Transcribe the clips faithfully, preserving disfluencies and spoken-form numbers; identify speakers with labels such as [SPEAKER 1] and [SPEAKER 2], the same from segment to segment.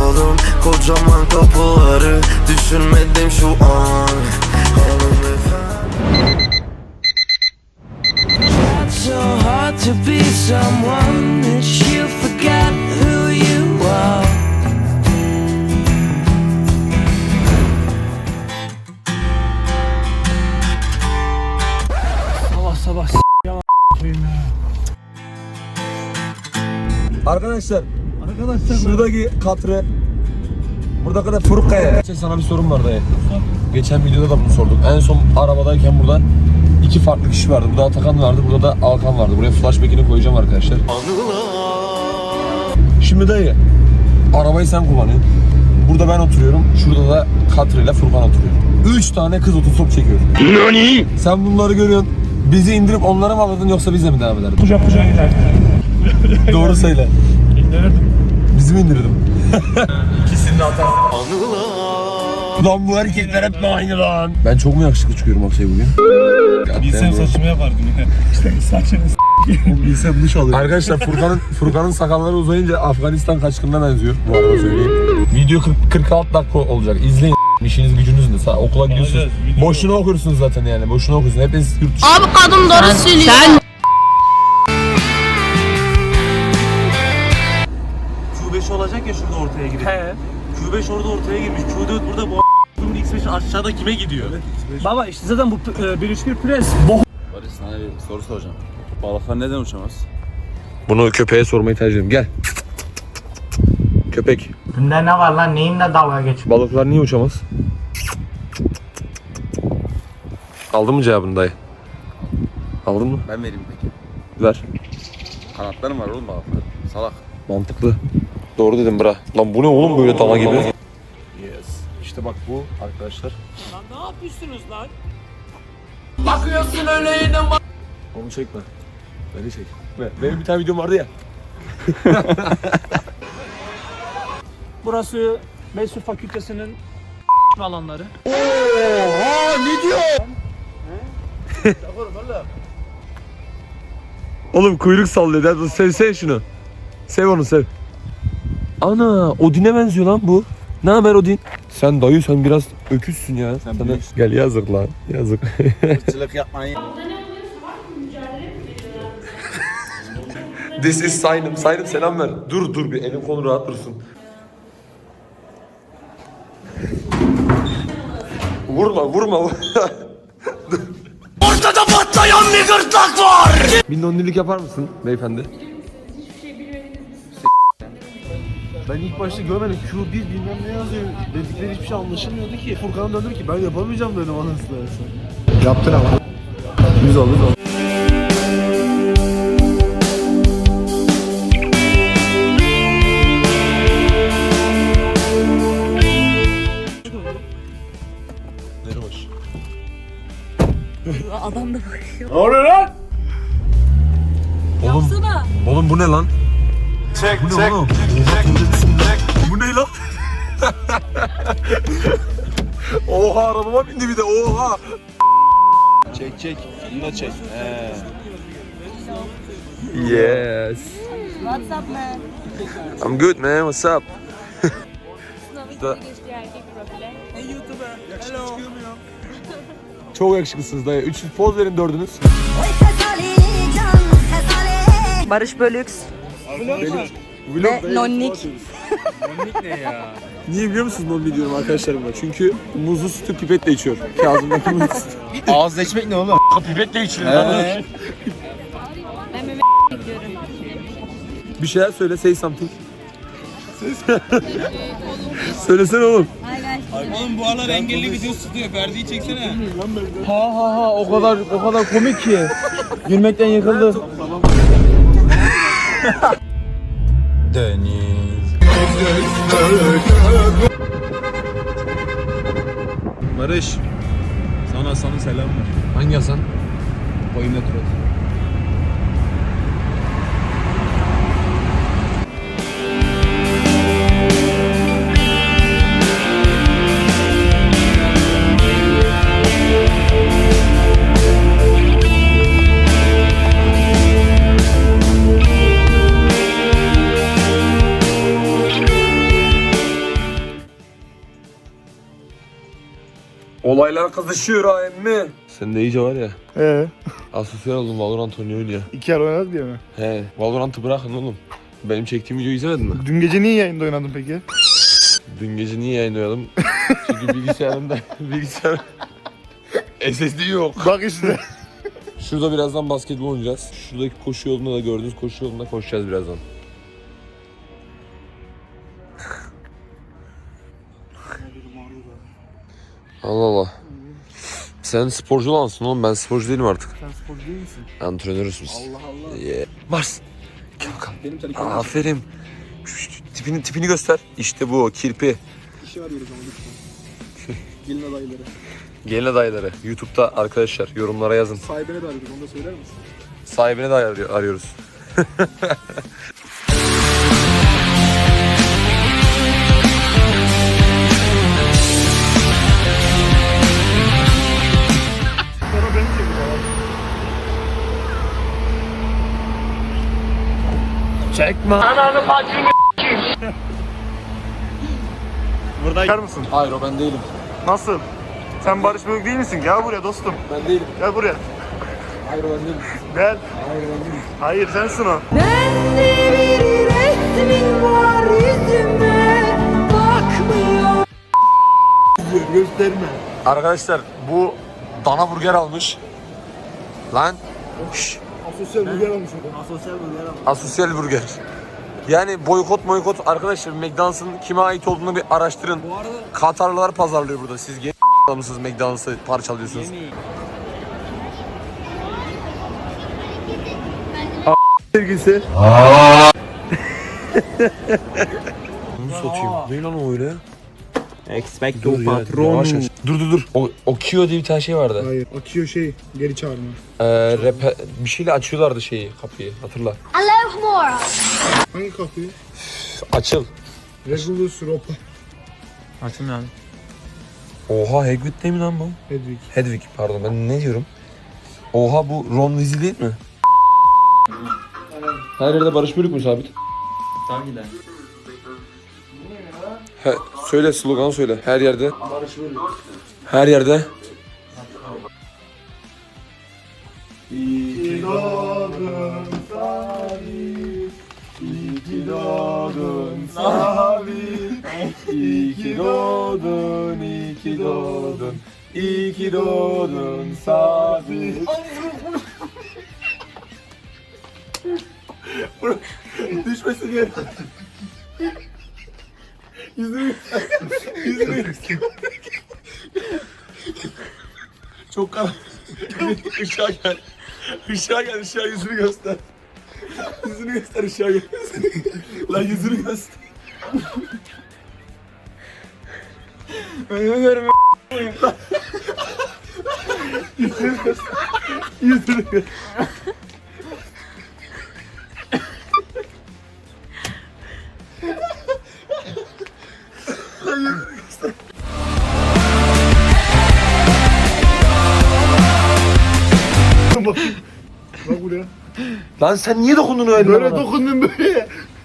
[SPEAKER 1] çaldım kocaman kapıları, düşünmedim şu an. So hard to be someone that you forgot who you are.
[SPEAKER 2] Sabah sabah s*** ya.
[SPEAKER 3] Arkadaşlar,
[SPEAKER 2] Arkadaşlar
[SPEAKER 3] şuradaki katırı, burada kadar Furkaya. Sana bir sorum var dayı. Geçen videoda da bunu sorduk. En son arabadayken burada iki farklı kişi vardı. Burada Atakan vardı, burada da Alkan vardı. Buraya flashback'ini koyacağım arkadaşlar. Şimdi dayı, arabayı sen kullanıyorsun. Burada ben oturuyorum. Şurada da Katri ile Furkan oturuyor. Üç tane kız otostop çekiyor. Nani? Sen bunları görüyorsun. Bizi indirip onlara mı alırdın yoksa bize mi devam ederdin?
[SPEAKER 2] kucak kucağa giderdik.
[SPEAKER 3] Doğru söyle.
[SPEAKER 2] İndirirdim.
[SPEAKER 3] Bizi mi indirirdim? İkisini de atar. Lan bu erkekler hep aynı lan. Ben çok mu yakışıklı çıkıyorum Aksay bugün?
[SPEAKER 2] Bilsem saçımı yapardım yine. İşte saçını s***.
[SPEAKER 3] Bilsem duş alırım. Arkadaşlar Furkan'ın Furkan'ın sakalları uzayınca Afganistan kaçkınına benziyor. Bu arada söyleyeyim. Video kırk, kırk altı dakika olacak. İzleyin. İşiniz gücünüz ne? Okula gidiyorsunuz. Boşuna okursunuz zaten yani. Boşuna okursunuz. Hepiniz yurt dışı.
[SPEAKER 4] Abi kadın doğru söylüyor. Sen
[SPEAKER 5] Q beş olacak ya şurada ortaya girip.
[SPEAKER 2] He.
[SPEAKER 5] Q beş orada ortaya girmiş. Q dört burada, bu a**ın X beş aşağıda kime gidiyor?
[SPEAKER 2] Baba işte zaten bu e, bir üç bir pres. Boh.
[SPEAKER 6] Barış, sana bir soru soracağım. Balıklar neden uçamaz?
[SPEAKER 3] Bunu köpeğe sormayı tercih ediyorum. Gel. Köpek.
[SPEAKER 7] Bunda ne var lan? Neyinle dalga geç?
[SPEAKER 3] Balıklar niye uçamaz? Aldın mı cevabını dayı? Aldın mı?
[SPEAKER 6] Ben vereyim peki.
[SPEAKER 3] Ver.
[SPEAKER 6] Kanatları mı var oğlum balıklar? Salak.
[SPEAKER 3] Mantıklı. Doğru dedim bra. Lan bu ne oğlum böyle dana gibi? Yes. İşte bak bu arkadaşlar.
[SPEAKER 2] Lan ne yapıyorsunuz lan?
[SPEAKER 3] Onu çekme. Beni çek. Benim bir tane videom vardı ya.
[SPEAKER 2] Burası Mesut Fakültesi'nin alanları.
[SPEAKER 3] Oğlum kuyruk sallıyor. Hadi sev sev şunu. Sev onu sev. Ana Odin'e benziyor lan bu. Ne haber Odin? Sen dayı sen biraz öküzsün ya.
[SPEAKER 6] Sen
[SPEAKER 3] Sana...
[SPEAKER 6] büyüksün.
[SPEAKER 3] Gel yazık lan. Yazık.
[SPEAKER 6] Irkçılık yapmayın.
[SPEAKER 3] This is Saynım. Saynım selam ver. Dur dur bir elim konu rahat dursun. Vurma vurma.
[SPEAKER 1] Ortada patlayan bir gırtlak var.
[SPEAKER 3] Bir nonnilik yapar mısın beyefendi?
[SPEAKER 5] Ben ilk başta görmedim. Q bir bilmem ne yazıyor. Dedikleri hiçbir şey anlaşılmıyordu ki. Furkan'a döndüm ki ben yapamayacağım dedim anasını.
[SPEAKER 3] Yaptın ama. Yüz oldu.
[SPEAKER 4] adam da bakıyor.
[SPEAKER 5] Ne oluyor lan?
[SPEAKER 3] Oğlum,
[SPEAKER 4] Yapsana.
[SPEAKER 3] oğlum bu ne lan?
[SPEAKER 5] Çek
[SPEAKER 3] Bu ne oğlum? Bu ne lan? Oha arabama bindi bir de oha.
[SPEAKER 6] Çek çek. Bunu da çek. He.
[SPEAKER 3] Yes.
[SPEAKER 4] What's up man?
[SPEAKER 3] I'm good man. What's up?
[SPEAKER 4] Sınavı geçti erkek profile.
[SPEAKER 3] Çok yakışıklısınız dayı. Üç poz verin dördünüz.
[SPEAKER 4] Barış Bölüks ve Nonnik.
[SPEAKER 3] Niye biliyor musunuz non diyorum arkadaşlarımla? Çünkü muzlu sütü pipetle içiyor. Kazım'daki muzlu sütü.
[SPEAKER 6] Ağızla içmek ne oğlum?
[SPEAKER 3] Pipetle içiyor.
[SPEAKER 6] He.
[SPEAKER 4] Ben meme bekliyorum.
[SPEAKER 3] Bir şeyler söyle, say something. Söylesene oğlum.
[SPEAKER 8] Oğlum bu aralar engelli video tutuyor. Ferdi'yi çeksene.
[SPEAKER 2] Ha ha ha o kadar o kadar komik ki. Gülmekten yıkıldı.
[SPEAKER 6] Deniz.
[SPEAKER 5] Barış. Sana sana selam ver.
[SPEAKER 3] Hangi Hasan?
[SPEAKER 5] Boyumda tur.
[SPEAKER 3] Olaylar kızışıyor ha emmi. Sen de iyice var ya.
[SPEAKER 5] Ee,
[SPEAKER 3] Asosyal oldun, Valorant oynuyor ya.
[SPEAKER 5] iki yer oynadık diye mi?
[SPEAKER 3] He, Valorant'ı bırakın oğlum. Benim çektiğim videoyu izlemedin mi?
[SPEAKER 5] Dün gece niye yayında oynadın peki?
[SPEAKER 3] Dün gece niye yayınlayalım? Çünkü bilgisayarımda bilgisayar S S D yok.
[SPEAKER 5] Bak işte.
[SPEAKER 3] Şurada birazdan basketbol oynayacağız. Şuradaki koşu yolunda da gördüğünüz koşu yolunda koşacağız birazdan. Allah Allah. Sen sporcu olansın oğlum, ben sporcu değilim artık.
[SPEAKER 5] Sen sporcu değil misin?
[SPEAKER 3] Antrenörüz biz.
[SPEAKER 5] Allah Allah.
[SPEAKER 3] Yeah. Mars. Gel bakalım. Aferin. Şu, şu, tipini, tipini göster. İşte bu kirpi.
[SPEAKER 5] İşi arıyoruz ama lütfen. Gelin adayları.
[SPEAKER 3] Gelin adayları. YouTube'da arkadaşlar yorumlara yazın.
[SPEAKER 5] Sahibine de arıyoruz, onu da söyler misin?
[SPEAKER 3] Sahibini de arıyor- arıyoruz.
[SPEAKER 5] Sonra beni çekiyor.
[SPEAKER 3] Çekme.
[SPEAKER 5] Burada çıkar mısın?
[SPEAKER 3] Hayır, o ben değilim.
[SPEAKER 5] Nasıl? Sen Barış Bölük değil misin? Gel buraya dostum.
[SPEAKER 3] Ben değilim.
[SPEAKER 5] Gel buraya.
[SPEAKER 3] Hayır, o ben değilim.
[SPEAKER 5] Gel. Hayır sensin o.
[SPEAKER 1] Bende bir resmin var yüzüme bakmıyor.
[SPEAKER 5] Gösterme.
[SPEAKER 3] Arkadaşlar bu dana burger almış. Lan. Şşş.
[SPEAKER 5] Asosyal burger almış adam. Asosyal burger almış.
[SPEAKER 3] Asosyal burger. Yani boykot boykot arkadaşlar, McDonald's'ın kime ait olduğunu bir araştırın. Katarlılar pazarlıyor burada. Siz genç mısınız McDonald's'ı parçalıyorsunuz?
[SPEAKER 5] Sevgisi.
[SPEAKER 3] Bunu satayım. Ne lan o öyle?
[SPEAKER 5] Expecto
[SPEAKER 3] Dur ya, yavaş yavaş. Dur dur dur. O, o Kio diye bir tane şey vardı.
[SPEAKER 5] Hayır. Akıyor şey. Geri çağırma.
[SPEAKER 3] Ee, repe, bir şeyle açıyorlardı şeyi, kapıyı. Hatırla.
[SPEAKER 5] Hangi kapıyı?
[SPEAKER 3] Açıl.
[SPEAKER 5] Regulus Ropa.
[SPEAKER 2] Açın yani.
[SPEAKER 3] Oha, Hagrid değil mi lan bu?
[SPEAKER 5] Hedwig.
[SPEAKER 3] Hedwig pardon, ben ne diyorum? Oha, bu Ron Weasley değil mi? Her yerde Barış Bölük mü sabit?
[SPEAKER 2] Tabii de.
[SPEAKER 3] He, söyle, slogan söyle. Her yerde. Her yerde.
[SPEAKER 5] İyi ki doğdun Sabit. İyi ki doğdun Sabit. İyi ki doğdun, iyi ki doğdun. İyi ki doğdun Sabit. Düşmesin diye. Yüzünü Yüzünü Çok karanlık. Işığa gel. Işığa gel, ışığa yüzünü göster. Yüzünü göster, ışığa gel. Lan yüzünü göster. Önümü görmüyorum. Yüzünü göster. Yüzünü göster. Bak. Bak buraya.
[SPEAKER 3] Lan sen niye dokundun öyle
[SPEAKER 5] Böyle
[SPEAKER 3] bana?
[SPEAKER 5] dokundun böyle.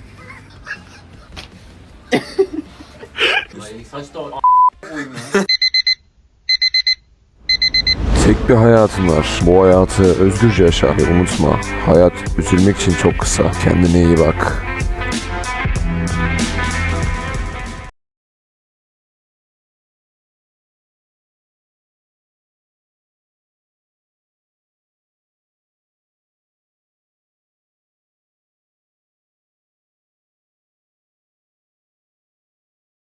[SPEAKER 3] Tek bir hayatın var. Bu hayatı özgürce yaşa ve unutma. Hayat üzülmek için çok kısa. Kendine iyi bak.